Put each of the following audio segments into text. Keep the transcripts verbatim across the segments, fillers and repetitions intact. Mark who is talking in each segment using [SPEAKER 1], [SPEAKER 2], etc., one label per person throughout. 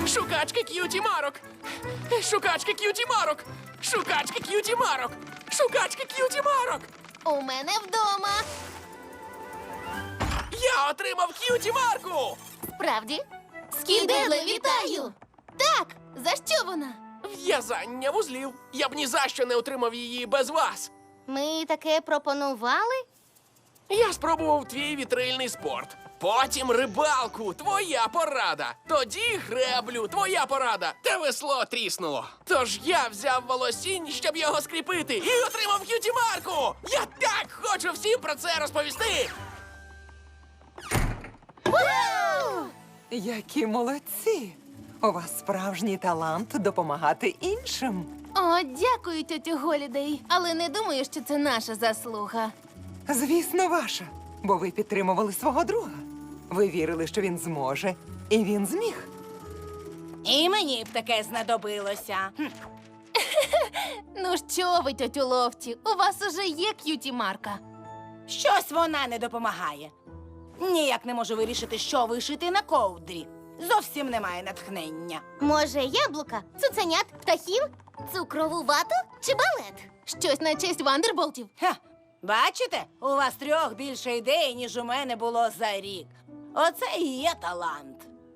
[SPEAKER 1] Шукачки к'юті марок! Шукачки к'юті марок! Шукачки к'юті марок! Шукачки к'юті марок!
[SPEAKER 2] У мене вдома.
[SPEAKER 1] Я отримав к'юті марку!
[SPEAKER 2] Справді? Скіделе, вітаю! Так, за що вона?
[SPEAKER 1] В'язання вузлів. Я б ні за що не отримав її без вас.
[SPEAKER 2] Ми таке пропонували?
[SPEAKER 1] Я спробував твій вітрильний спорт. Потім рибалку, твоя порада. Тоді греблю, твоя порада. Та весло тріснуло. Тож я взяв волосінь, щоб його скріпити, і отримав к'юті марку. Я так хочу всім про це розповісти.
[SPEAKER 3] Які молодці! У вас справжній талант допомагати іншим.
[SPEAKER 2] О, дякую, тьотю Голідей. Але не думаю, що це наша заслуга.
[SPEAKER 3] Звісно, ваша, бо ви підтримували свого друга. Ви вірили, що він зможе, і він зміг.
[SPEAKER 4] І мені б таке знадобилося. Хм.
[SPEAKER 2] Ну що ви, тьотю Лофті, у вас уже є к'юті-марка.
[SPEAKER 4] Щось вона не допомагає. Ніяк не можу вирішити, що вишити на ковдрі. Зовсім немає натхнення.
[SPEAKER 2] Може, яблука, цуценят, птахів, цукрову вату чи балет? Щось на честь вандерболтів.
[SPEAKER 4] Ха, бачите, у вас трьох більше ідей, ніж у мене було за рік. Оце і є талант.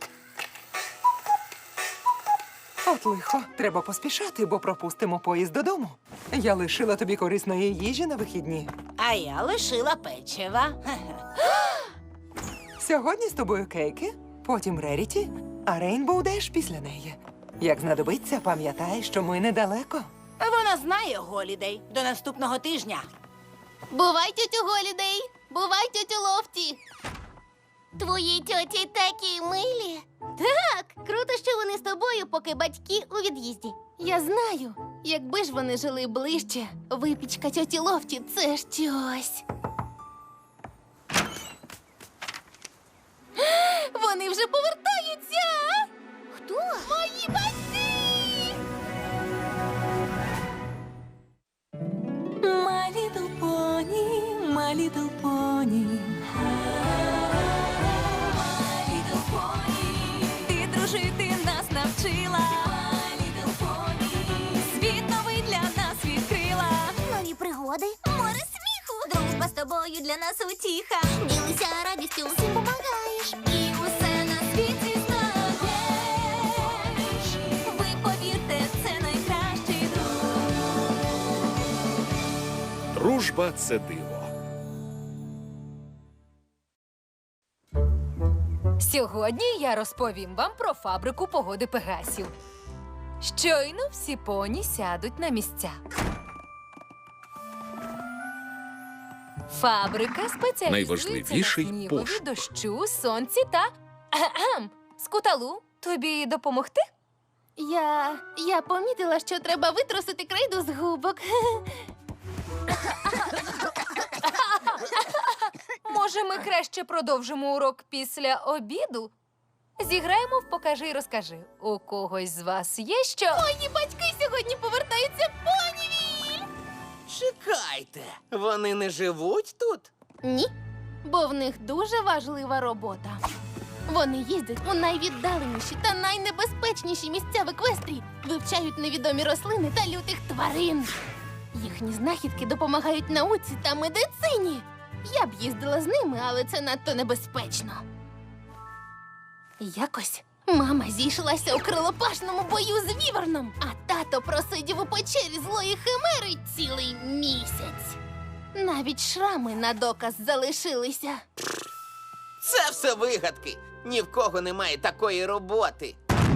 [SPEAKER 3] От лихо, треба поспішати, бо пропустимо поїзд додому. Я лишила тобі корисної їжі на вихідні.
[SPEAKER 4] А я лишила печива. Хе-хе.
[SPEAKER 3] Сьогодні з тобою кейки, потім Реріті, а Рейнбоу Деш після неї. Як знадобиться, пам'ятай, що ми недалеко.
[SPEAKER 4] Вона знає, Голідей, до наступного тижня.
[SPEAKER 2] Бувай, тьотю Голідей! Бувай, тьотю Лофті! Твої тьоті такі милі. Так, круто, що вони з тобою, поки батьки у від'їзді. Я знаю, якби ж вони жили ближче, випічка тьоті Лофті – це щось. Вони вже повертаються! Хто? Мої батьки!
[SPEAKER 5] My little pony, my little pony. My little pony. Ти дружити нас навчила. My little pony. Світ новий для нас відкрила.
[SPEAKER 2] Нові пригоди, море сміху. Дружба з тобою для нас утіха. Ділися радістю, всім помагаєш.
[SPEAKER 5] І усе на світі знаєш. Ви повірте, це найкращий друг.
[SPEAKER 6] Дружба – це диво.
[SPEAKER 7] Сьогодні я розповім вам про фабрику погоди Пегасів. Щойно всі поні сядуть на місця. Фабрика спеціалізується
[SPEAKER 6] Найважливіший
[SPEAKER 7] на снігові,
[SPEAKER 6] пошук.
[SPEAKER 7] дощу, сонці та... Ахем. Скуталу, тобі допомогти?
[SPEAKER 2] Я... я помітила, що треба витрусити крейду з губок.
[SPEAKER 7] Може, ми краще продовжимо урок після обіду? Зіграємо в «Покажи і розкажи». У когось з вас є що?
[SPEAKER 2] Мої батьки сьогодні повертаються в Понівіль!
[SPEAKER 8] Чекайте, вони не живуть тут?
[SPEAKER 2] Ні, бо в них дуже важлива робота. Вони їздять у найвіддаленіші та найнебезпечніші місця в Еквестрії, вивчають невідомі рослини та лютих тварин. Їхні знахідки допомагають науці та медицині. Я б їздила з ними, але це надто небезпечно. Якось мама зійшлася у крилопашному бою з віверном, а тато просидів у печері злої химери цілий місяць. Навіть шрами на доказ залишилися.
[SPEAKER 8] Це все вигадки. Ні в кого немає такої роботи.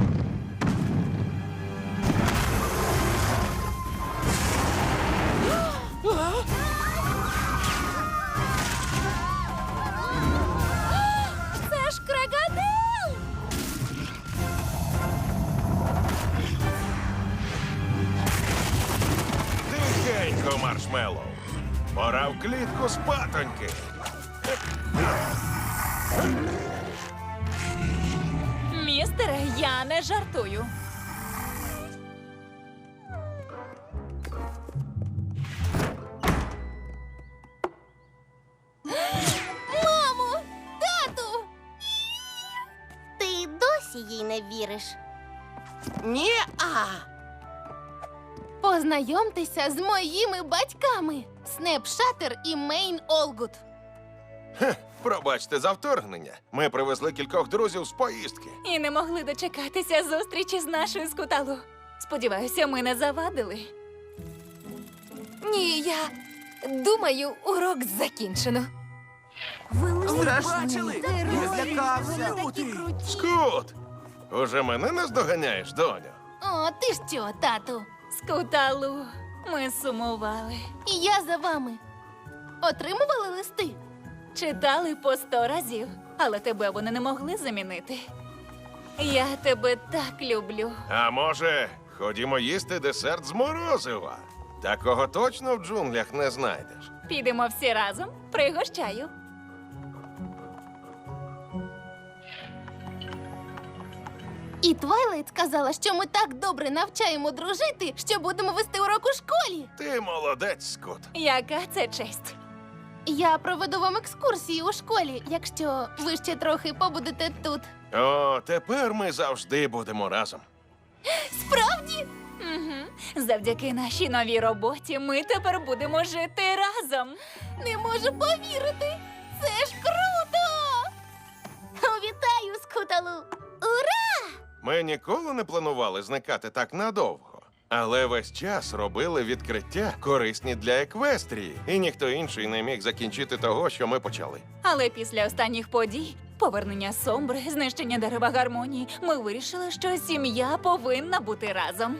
[SPEAKER 2] Це ж крокодил!
[SPEAKER 6] Тихенько, Маршмеллоу. Пора в клітку спатоньки.
[SPEAKER 5] Містере, я не жартую.
[SPEAKER 2] Мамо! Тату! Ти досі їй не віриш?
[SPEAKER 8] Ні, а.
[SPEAKER 2] Познайомтеся з моїми батьками Снепшатер і Мейн Олгут.
[SPEAKER 6] Пробачте за вторгнення. Ми привезли кількох друзів з поїздки.
[SPEAKER 5] І не могли дочекатися зустрічі з нашою скуталу. Сподіваюся, ми не завадили.
[SPEAKER 7] Ні, я думаю, урок закінчено.
[SPEAKER 8] Страшний. Я злякався.
[SPEAKER 6] Скут! Уже мене наздоганяєш, доню?
[SPEAKER 2] О, ти ж що, тату?
[SPEAKER 5] Скуталу, ми сумували.
[SPEAKER 2] І я за вами. Отримували листи?
[SPEAKER 5] Читали по сто разів, але тебе вони не могли замінити. Я тебе так люблю.
[SPEAKER 6] А може, ходімо їсти десерт з морозива? Такого точно в джунглях не знайдеш.
[SPEAKER 5] Підемо всі разом, пригощаю.
[SPEAKER 2] І Твайлайт сказала, що ми так добре навчаємо дружити, що будемо вести урок у школі.
[SPEAKER 6] Ти молодець, Скут.
[SPEAKER 5] Яка це честь.
[SPEAKER 2] Я проведу вам екскурсію у школі, якщо ви ще трохи побудете тут.
[SPEAKER 6] О, тепер ми завжди будемо разом.
[SPEAKER 2] Справді?
[SPEAKER 5] Угу. Завдяки нашій новій роботі ми тепер будемо жити разом.
[SPEAKER 2] Не можу повірити! Це ж круто! Вітаю, Скуталу! Ура!
[SPEAKER 6] Ми ніколи не планували зникати так надовго. Але весь час робили відкриття, корисні для еквестрії, і ніхто інший не міг закінчити того, що ми почали.
[SPEAKER 5] Але після останніх подій, повернення Сомбри, знищення дерева гармонії, ми вирішили, що сім'я повинна бути разом.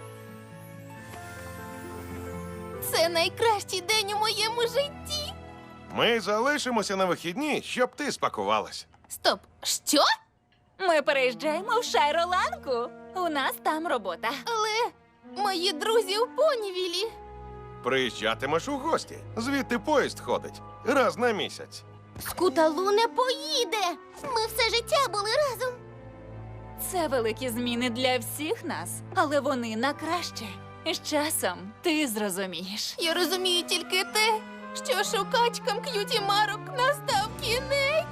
[SPEAKER 2] Це найкращий день у моєму житті!
[SPEAKER 6] Ми залишимося на вихідні, щоб ти спакувалась.
[SPEAKER 2] Стоп, що?
[SPEAKER 5] Ми переїжджаємо в Шайроланку. У нас там робота.
[SPEAKER 2] Але мої друзі у Понівілі.
[SPEAKER 6] Приїжджатимеш у гості. Звідти поїзд ходить раз на місяць.
[SPEAKER 2] Скуталу не поїде! Ми все життя були разом.
[SPEAKER 5] Це великі зміни для всіх нас, але вони на краще. І з часом ти зрозумієш.
[SPEAKER 2] Я розумію тільки те, що шукачкам к'юті марок настав кінець.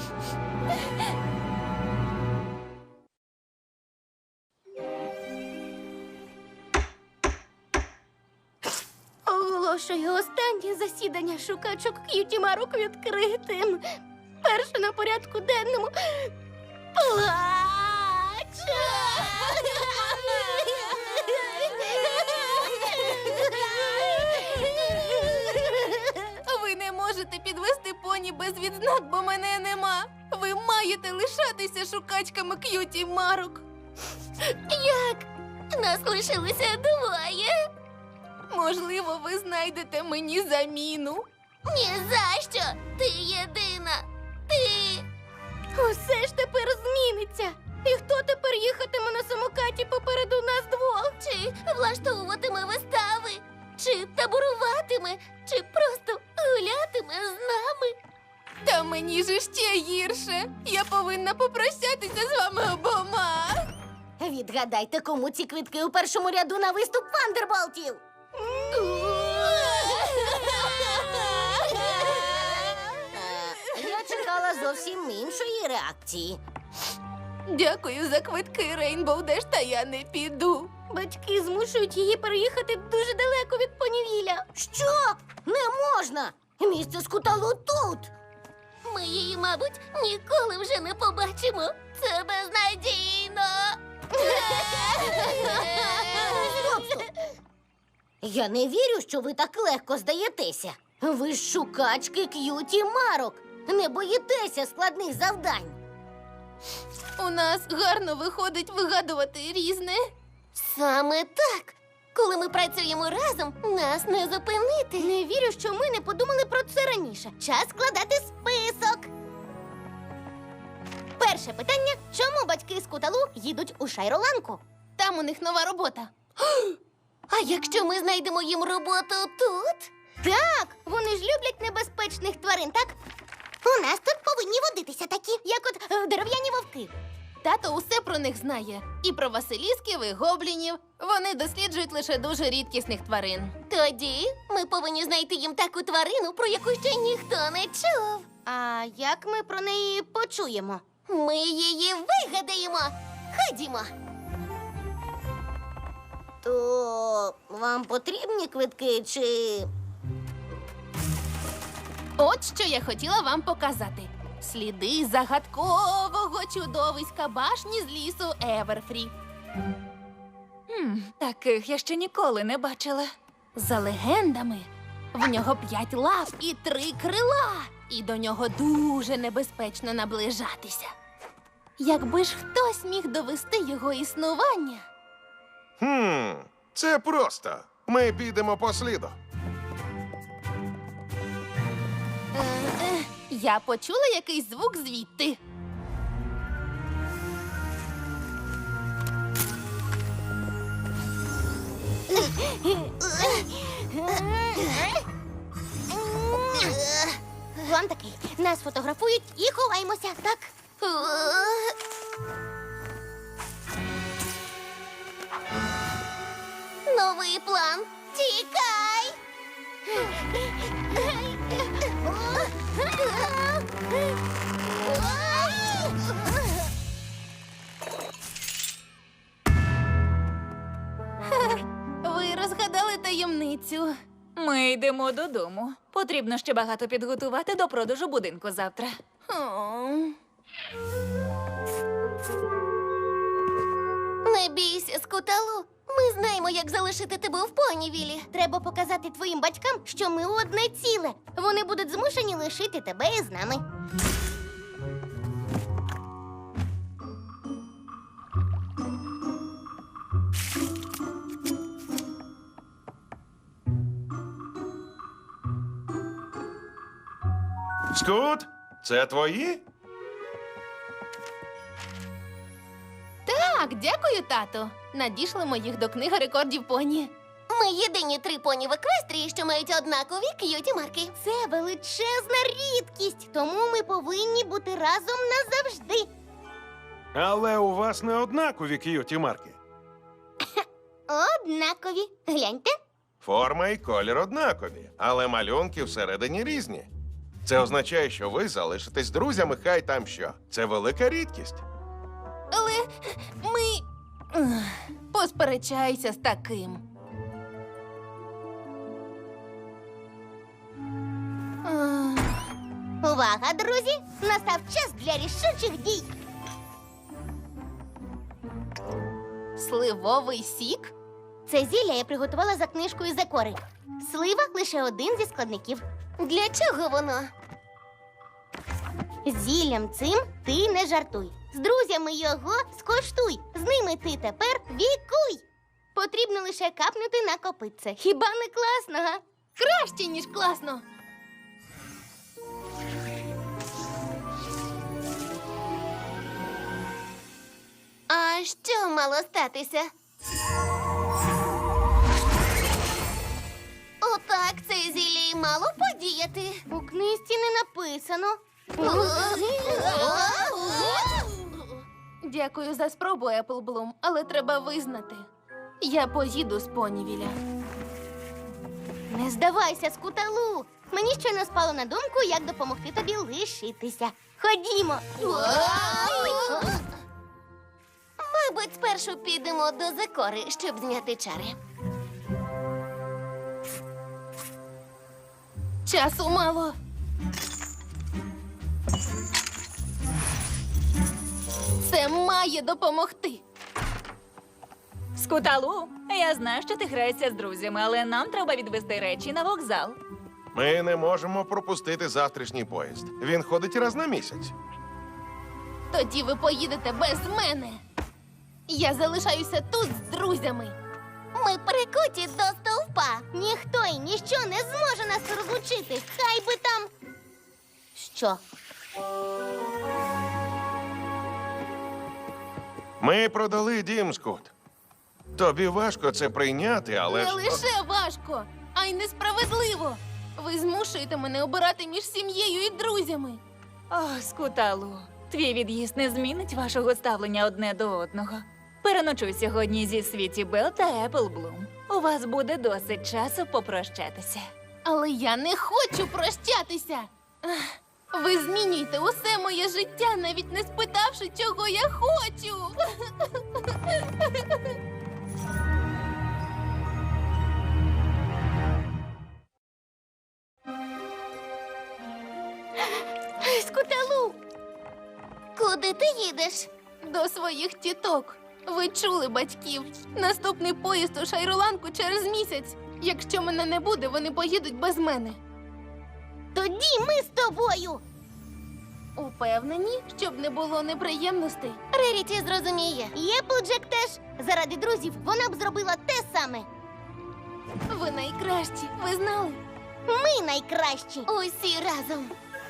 [SPEAKER 2] Оголошую останнє засідання шукачок к'юті марок відкритим. Перше на порядку денному плач. Ви не можете підвести поні без відзнак, бо мене нема. Ви маєте лишатися шукачками к'юті марок. Як? Нас лишилося двоє. Можливо, ви знайдете мені заміну. Ні за що! Ти єдина! Ти! Усе ж тепер зміниться. І хто тепер їхатиме на самокаті попереду нас двох? Чи влаштовуватиме вистави? Чи таборуватиме? Чи просто гулятиме з нами? Та мені ж ще гірше. Я повинна попрощатися з вами обома.
[SPEAKER 9] Відгадайте, кому ці квитки у першому ряду на виступ Вандерболтів? Е, Я чекала зовсім іншої реакції.
[SPEAKER 2] Дякую за квитки, Рейнбоу Деш, та я не піду. Батьки змушують її переїхати дуже далеко від Понівіля.
[SPEAKER 9] Що? Не можна! Місце Скуталу тут!
[SPEAKER 2] Ми її, мабуть, ніколи вже не побачимо. Це безнадійно.
[SPEAKER 9] Стоп, стоп! Я не вірю, що ви так легко здаєтеся. Ви ж шукачки к'юті марок. Не боїтеся складних завдань.
[SPEAKER 2] У нас гарно виходить вигадувати різне. Саме так. Коли ми працюємо разом, нас не зупинити. Не вірю, що ми не подумали про це раніше. Час складати список. Перше питання: чому батьки з Куталу їдуть у Шайроланку? Там у них нова робота. А якщо ми знайдемо їм роботу тут? Так, вони ж люблять небезпечних тварин, так? У нас тут повинні водитися такі, як от е, дерев'яні вовки. Тато усе про них знає. І про василісків, і гоблінів. Вони досліджують лише дуже рідкісних тварин. Тоді ми повинні знайти їм таку тварину, про яку ще ніхто не чув. А як ми про неї почуємо? Ми її вигадаємо. Ходімо.
[SPEAKER 9] То вам потрібні квитки чи.
[SPEAKER 2] От що я хотіла вам показати. Сліди загадкового чудовиська башні з лісу Еверфрі.
[SPEAKER 7] Хм, таких я ще ніколи не бачила.
[SPEAKER 2] За легендами, в нього п'ять лап і три крила, і до нього дуже небезпечно наближатися. Якби ж хтось міг довести його існування.
[SPEAKER 6] Хм, це просто. Ми підемо по сліду.
[SPEAKER 2] Е, е, я почула якийсь звук звідти.
[SPEAKER 9] План такий. Нас фотографують і ховаємося, так? Новий план. Тікай!
[SPEAKER 2] Ви розгадали таємницю.
[SPEAKER 7] Ми йдемо додому. Потрібно ще багато підготувати до продажу будинку завтра.
[SPEAKER 2] О.
[SPEAKER 9] Не бійся, Скуталу. Ми знаємо, як залишити тебе в Понівілі. Треба показати твоїм батькам, що ми одне ціле. Вони будуть змушені лишити тебе із нами.
[SPEAKER 6] Скут, це твої?
[SPEAKER 2] Так, дякую, тато. Надішлемо їх до книги рекордів поні.
[SPEAKER 9] Ми єдині три поні в еквестрії, що мають однакові к'юті марки. Це величезна рідкість, тому ми повинні бути разом назавжди.
[SPEAKER 6] Але у вас не однакові к'юті марки.
[SPEAKER 9] Однакові. Гляньте.
[SPEAKER 6] Форма і колір однакові, але малюнки всередині різні. Це означає, що ви залишитесь друзями, хай там що. Це велика рідкість.
[SPEAKER 2] Але ми. Ех, Посперечайся з таким. Ех,
[SPEAKER 9] Увага, друзі! Настав час для рішучих дій.
[SPEAKER 2] Сливовий сік?
[SPEAKER 9] Це зілля я приготувала за книжкою Закори. Слива лише один зі складників. Для чого воно? Зіллям цим ти не жартуй. З друзями його скоштуй. З ними ти тепер вікуй. Потрібно лише капнути на копитце. Хіба не класно, га?
[SPEAKER 2] Краще, ніж класно.
[SPEAKER 9] А що мало статися? Отак це зілля й мало подіяти. У книжці не написано.
[SPEAKER 2] Дякую за спробу, Еплблум, але треба визнати. Я поїду з Понівіля.
[SPEAKER 9] Не здавайся, Скуталу. Мені щойно спало на думку, як допомогти тобі лишитися. Ходімо. Мабуть, спершу підемо до Закори, щоб зняти чари.
[SPEAKER 2] Часу мало. Це має допомогти.
[SPEAKER 7] Скуталу, я знаю, що ти граєшся з друзями, але нам треба відвести речі на вокзал.
[SPEAKER 6] Ми не можемо пропустити завтрашній поїзд. Він ходить раз на місяць.
[SPEAKER 2] Тоді ви поїдете без мене. Я залишаюся тут з друзями.
[SPEAKER 9] Ми прикуті до стовпа. Ніхто і ніщо не зможе нас розлучити. Хай би там. Що?
[SPEAKER 6] Ми продали дім, Скут. Тобі важко це прийняти, але
[SPEAKER 2] Не
[SPEAKER 6] ж...
[SPEAKER 2] лише важко, а й несправедливо. Ви змушуєте мене обирати між сім'єю і друзями.
[SPEAKER 7] О, Скуталу, твій від'їзд не змінить вашого ставлення одне до одного. Переночуй сьогодні зі Світі Белл та Еплблум. У вас буде досить часу попрощатися.
[SPEAKER 2] Але я не хочу прощатися. Ах, ви змінюєте усе моє життя, навіть не спитавши, чого я хочу.
[SPEAKER 9] ти їдеш?
[SPEAKER 2] До своїх тіток. Ви чули батьків. Наступний поїзд у Шайроланку через місяць. Якщо мене не буде, вони поїдуть без мене.
[SPEAKER 9] Тоді ми з тобою.
[SPEAKER 2] Упевнені, щоб не було неприємностей.
[SPEAKER 9] Реріті зрозуміє. Єпплджек теж. Заради друзів вона б зробила те саме.
[SPEAKER 2] Ви найкращі, ви знали?
[SPEAKER 9] Ми найкращі. Усі разом.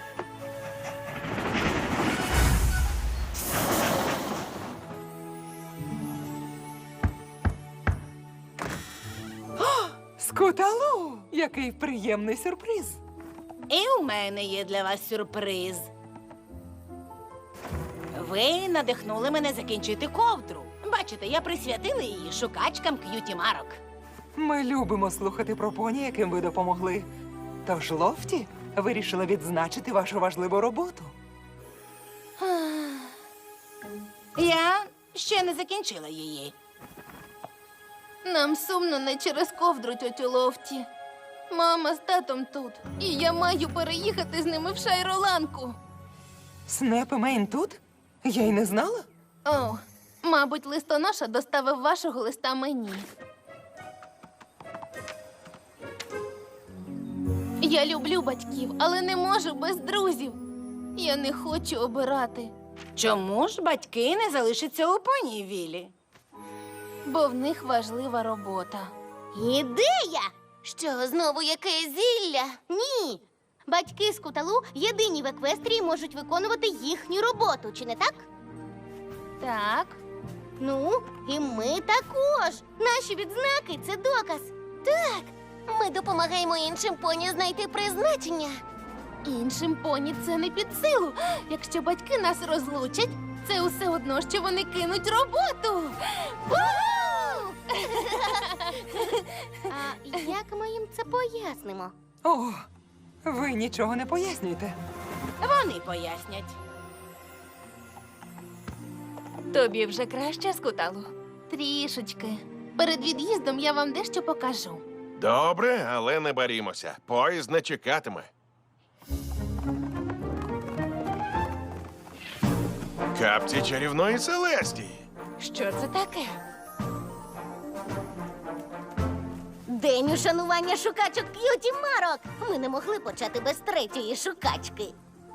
[SPEAKER 3] Скуталу! Який приємний сюрприз!
[SPEAKER 4] І у мене є для вас сюрприз. Ви надихнули мене закінчити ковдру. Бачите, я присвятила її шукачкам к'юті марок.
[SPEAKER 3] Ми любимо слухати про поні, яким ви допомогли. Тож Лофті вирішила відзначити вашу важливу роботу.
[SPEAKER 4] Я ще не закінчила її.
[SPEAKER 2] Нам сумно не через ковдру, тьотю Лофті. Мама з татом тут, і я маю переїхати з ними в Шайроланку.
[SPEAKER 3] Снеп і Мейн тут? Я й не знала.
[SPEAKER 2] О, мабуть, листоноша доставив вашого листа мені. Я люблю батьків, але не можу без друзів. Я не хочу обирати,
[SPEAKER 4] Чому ж батьки не залишаться у Понівілі?
[SPEAKER 2] бо в них важлива робота.
[SPEAKER 9] Ідея! Що, знову якесь зілля? Ні. Батьки Скуталу єдині в Еквестрії можуть виконувати їхню роботу, чи не так?
[SPEAKER 2] Так,
[SPEAKER 9] Ну, і ми також. Наші відзнаки це доказ. Так, ми допомагаємо іншим поні знайти призначення.
[SPEAKER 2] іншим поні це не під силу. Якщо батьки нас розлучать, це усе одно, що вони кинуть роботу.
[SPEAKER 9] Уху! А як ми їм це пояснимо?
[SPEAKER 3] О, ви нічого не пояснюєте.
[SPEAKER 4] Вони пояснять.
[SPEAKER 7] Тобі вже краще, Скуталу?
[SPEAKER 2] Трішечки. Перед від'їздом я вам дещо покажу.
[SPEAKER 6] Добре, але не барімося. Поїзд не чекатиме. Капці чарівної Селестії.
[SPEAKER 7] Що це таке?
[SPEAKER 9] День ушанування шукачок к'юті марок. Ми не могли почати без третьої шукачки.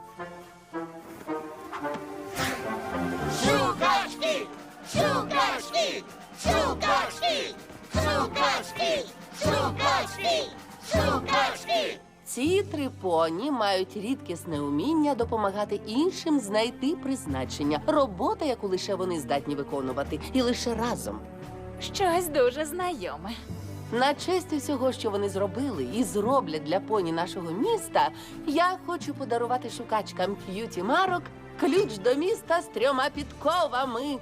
[SPEAKER 9] Шукачки! Шукачки! Шукачки! Шукачки! Шукачки! Шукачки!
[SPEAKER 10] Ці три поні мають рідкісне уміння допомагати іншим знайти призначення. Робота, яку лише вони здатні виконувати, і лише разом.
[SPEAKER 7] Щось дуже знайоме.
[SPEAKER 10] На честь усього, що вони зробили і зроблять для поні нашого міста, я хочу подарувати шукачкам к'юті марок ключ до міста з трьома підковами.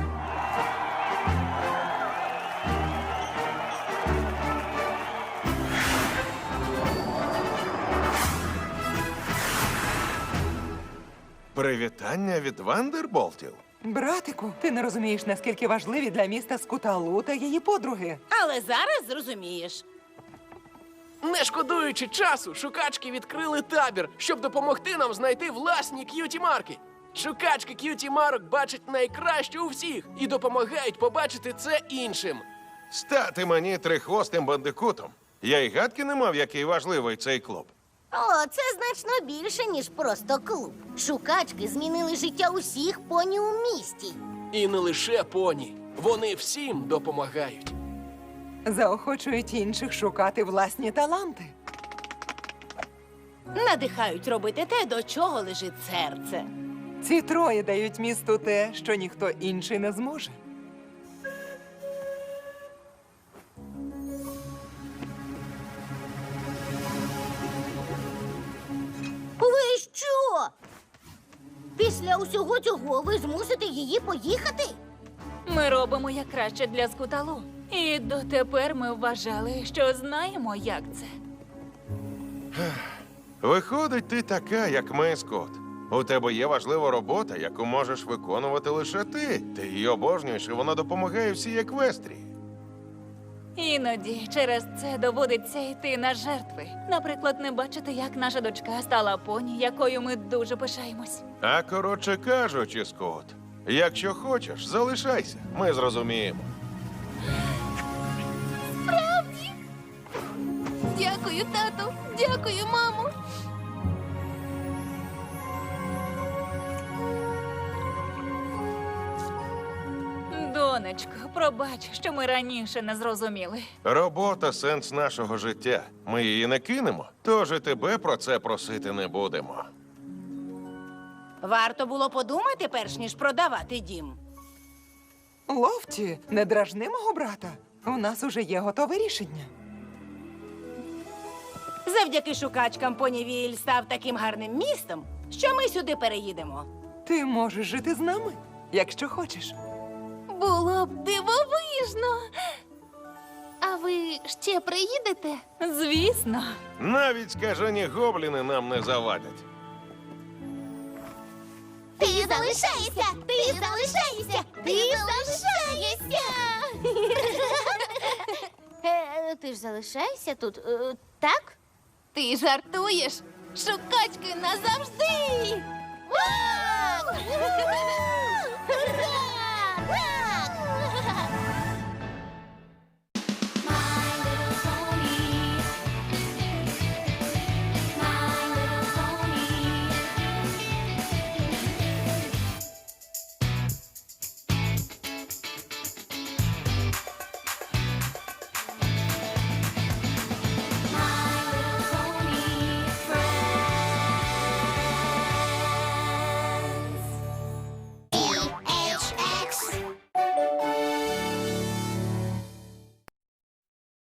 [SPEAKER 6] Привітання від Вандерболтів.
[SPEAKER 3] Братику, ти не розумієш, наскільки важливі для міста Скуталу та її подруги.
[SPEAKER 4] Але зараз зрозумієш.
[SPEAKER 1] Не шкодуючи часу, шукачки відкрили табір, щоб допомогти нам знайти власні к'юті-марки. Шукачки к'юті-марок бачать найкраще у всіх і допомагають побачити це іншим.
[SPEAKER 6] Стати мені трихвостим бандикутом. Я й гадки не мав, який важливий цей клуб.
[SPEAKER 9] О, це значно більше, ніж просто клуб. Шукачки змінили життя усіх поні у місті.
[SPEAKER 1] І не лише поні. Вони всім допомагають.
[SPEAKER 3] Заохочують інших шукати власні таланти.
[SPEAKER 4] Надихають робити те, до чого лежить серце.
[SPEAKER 3] Ці троє дають місту те, що ніхто інший не зможе.
[SPEAKER 9] Ви що? Після усього цього ви змусите її поїхати?
[SPEAKER 7] Ми робимо як краще для Скуталу. І дотепер ми вважали, що знаємо, як це.
[SPEAKER 6] Виходить, ти така, як ми, Скот. У тебе є важлива робота, яку можеш виконувати лише ти. Ти її обожнюєш, і вона допомагає всій Еквестрії.
[SPEAKER 7] Іноді через це доводиться йти на жертви. Наприклад, не бачити, як наша дочка стала поні, якою ми дуже пишаємось.
[SPEAKER 6] А коротше кажучи, Скот, якщо хочеш, залишайся. Ми зрозуміємо.
[SPEAKER 2] Дякую, тату. Дякую, мамо.
[SPEAKER 7] Донечко, пробач, що ми раніше не зрозуміли.
[SPEAKER 6] Робота сенс нашого життя. Ми її не кинемо, тож і тебе про це просити не будемо.
[SPEAKER 4] Варто було подумати, перш ніж продавати дім.
[SPEAKER 3] Лофті, не дражни мого брата. У нас уже є готове рішення.
[SPEAKER 4] Завдяки шукачкам Понівіль став таким гарним містом, що ми сюди переїдемо.
[SPEAKER 3] Ти можеш жити з нами, якщо хочеш.
[SPEAKER 2] Було б дивовижно. А ви ще приїдете?
[SPEAKER 7] Звісно.
[SPEAKER 6] Навіть скажені гобліни нам не завадять.
[SPEAKER 9] Ти залишаєшся! Ти залишаєшся! Ти залишаєшся! Е, Ти ж залишаєшся тут, е, так?
[SPEAKER 2] Ти жартуєш? Шукачки назавжди!
[SPEAKER 9] Вау!